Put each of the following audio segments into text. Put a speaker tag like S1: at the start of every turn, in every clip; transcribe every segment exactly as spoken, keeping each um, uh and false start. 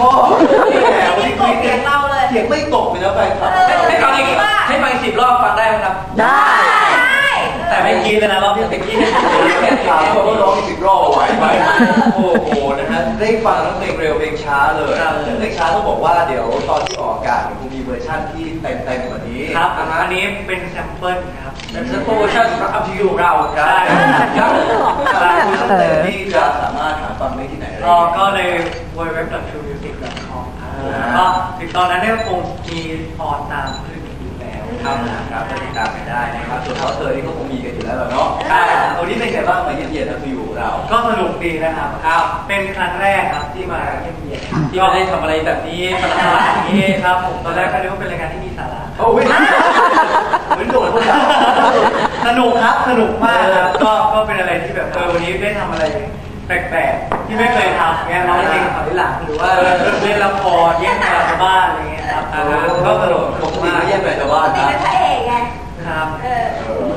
S1: นี่แหละวันนี้คุยกันเล่าเลยเสียงไม่ตกเลยนะแฟนคลับให้ฟังอีกให้ฟังสิบรอบฟังได้ไหมครับ
S2: ได้
S1: แต่ไม่กินเลยนะรอบที่ตะกี้แค่ถามเขาว่าร้องสิบรอบไหวไหมโอ้โหนะฮะได้ฟังทั้งเพลงเร็วเพลงช้าเลยเพลงช้าต้องบอกว่าเดี๋ยวตอนที่ออกอากาศคงมีเวอร์ชันที่เต็มเต็มกว่านี้ครับอันนี้เป็นแซมเปิลครับเป็นแซมเปิลเวอร์ชันสำหรับอัพทูยูเราครับครับคุณสเตย์ที่จะสามารถหาฟังได้ที่ไหนได้ก็ใน ดับเบิลยู ดับเบิลยู ดับเบิลยู ดอท ทรูมิวสิก ดอท คอม แล้วก็ติดตอนนั้นเนี่ยคงมีออนตามคลิปอยู่แล้วครับครับก็ติดตามกันได้นะครับส่วนเขาเธอที่ก็คงมีกันอยู่แล้วเนาะวันนี้เป็นไงบ้างมาเย็นๆนะคืออยู่เราก็สนุกดีนะครับครับเป็นครั้งแรกครับที่มาเย็นๆที่ไม่ได้ทำอะไรแบบนี้สนุกอย่างนี้ครับผมตอนแรกก็นึกว่าเป็นรายการที่มีสาระโอ้ยเหมือนโดนพวกเราสนุกครับสนุกมากครับก็ก็เป็นอะไรที่แบบเออวันนี้ได้ทำอะไรแปลกๆที่ไม่เคยทำเงี้ยร้องเพลงถอยหลังหรือว่าเล่นละครแย่งแฟนชาวบ้านอะไรเงี้ยครับก็สนุกปกติไม่แย่งแฟนชาวบ้านนะเป็นพระเอกไงครับเออ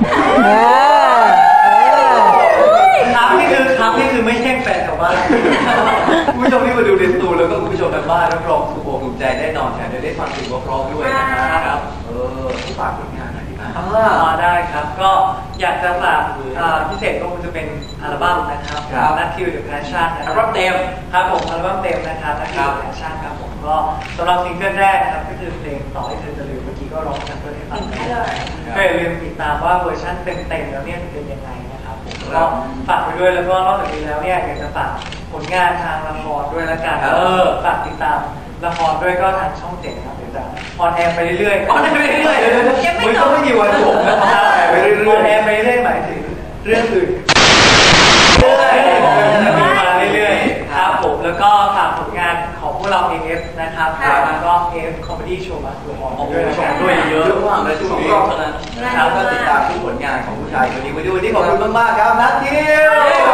S1: ครับนี่คือครับนี่คือไม่แย่งแฟนชาวบ้านผู้ชมที่มาดูเดนตูแล้วก็ผู้ชมทางบ้านรับรองถูกอกถูกใจแน่นอนแถมได้ฟังเพลงเพราะๆด้วยนะครับเออผู้ฝากผลงานหน่อยดีไหมมาได้ครับก็อยากจะฝากพิเศษก็คงจะเป็นอัลบั้มนะครับนัทคิวเดอะแพชชั่นอัลบั้มเต็มครับผมอัลบั้มเต็มนะครับนัทคิวเดอะแพชชั่นครับผมก็สำหรับซิงเกิลแรกนะครับก็คือเพลงต่อให้เธอจะลืมเมื่อกี้ก็ร้องกันเพื่อให้ฟังเลยก็อย่าลืมติดตามว่าเวอร์ชันเต็มๆแล้วเนี่ยเป็นยังไงนะครับผมก็ฝากไปด้วยแล้วก็นอกจากนี้แล้วเนี่ยอยากจะฝากผลงานทางละครด้วยละกันเออฝากติดตามละครด้วยก็ทางช่องเจ็ดนะครับเดี๋ยวจะออนแอร์ไปเรื่อยๆออนแอร์ไปเรื่อยๆยังไม่จบไม่มีวันจบนะออนแอร์ไปเรื่อยๆออนแอร์ไปเรื่อยๆหมายถึงเรื่องอื่นเรื่อยๆจะมีมาเรื่อยๆครับผมแล้วก็ฝากผลงานของพวกเรา เอ เอฟ นะครับแล้วก็ เอ เอฟ Comedy Show มาดูออนด้วยนะครับด้วยเยอะมากเลยช่วงนี้เท่านั้นนะครับก็ติดตามทุกผลงานของผู้ชายคนนี้วันนี้วันนี้ขอบคุณมากๆครับนัททิว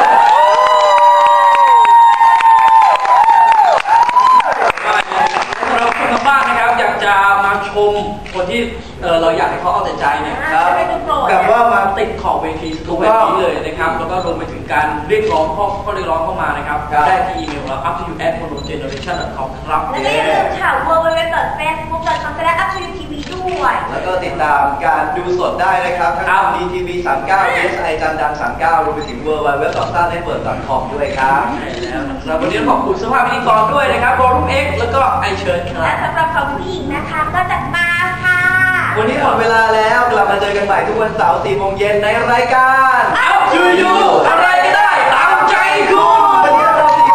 S1: จะมาชมคนที่เออเราอยากให้เขาเอาแต่ใจเนี่ยครับแบบว่ามาติดขอบเวทีทุกแบบนี้เลยนะครับแล้วก็รวมไปถึงการเรียกร้องข้อข้อเรียกร้องเข้ามานะครับได้ที่อีเมลเรา อัพ ทู ยู แอท โมโนเจเนอเรชั่น ดอท คอม ครับ
S3: แล้วก็อย่าลืมข่าว ดับเบิลยู ดับเบิลยู ดับเบิลยู ดอท เฟซบุ๊ก ดอท คอม สแลช อัพ ทู ยู ที วี ด้วย
S1: แล้วก็ติดตามการดูสดได้นะครับทั้งดี ที วี สามสิบเก้า เอส ไอ จันดัง สามสิบเก้ารวมไปถึง ดับเบิลยู ดับเบิลยู ดับเบิลยู ดอท สตาร์ เน็ตเวิร์ค ดอท คอม ด้วยครับแล้ววันนี้ขอบคุณสภาพพิธีกรด้วยนะครับโรลุ่มเอ็กซ์แล้วก็ไอเชิญครับ
S3: และสำหรับของผู้หญิงนะคะก็จะมาค่ะ
S1: วันนี้หมดเวลาแล้วกลับมาเจอกันใหม่ทุกวันเสาร์สี่โมงเย็นในรายการ อัพ ทู ยู อะไรก็ได้ตามใจคุณวันนี้เราสี่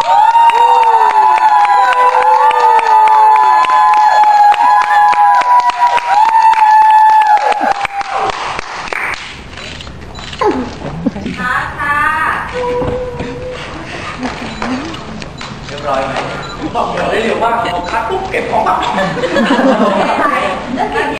S3: ค่ะค่ะ
S1: เรียบร้อยไหมบอกเดี๋ยวได้เร็วมากพอคัดปุ๊บเก็บของ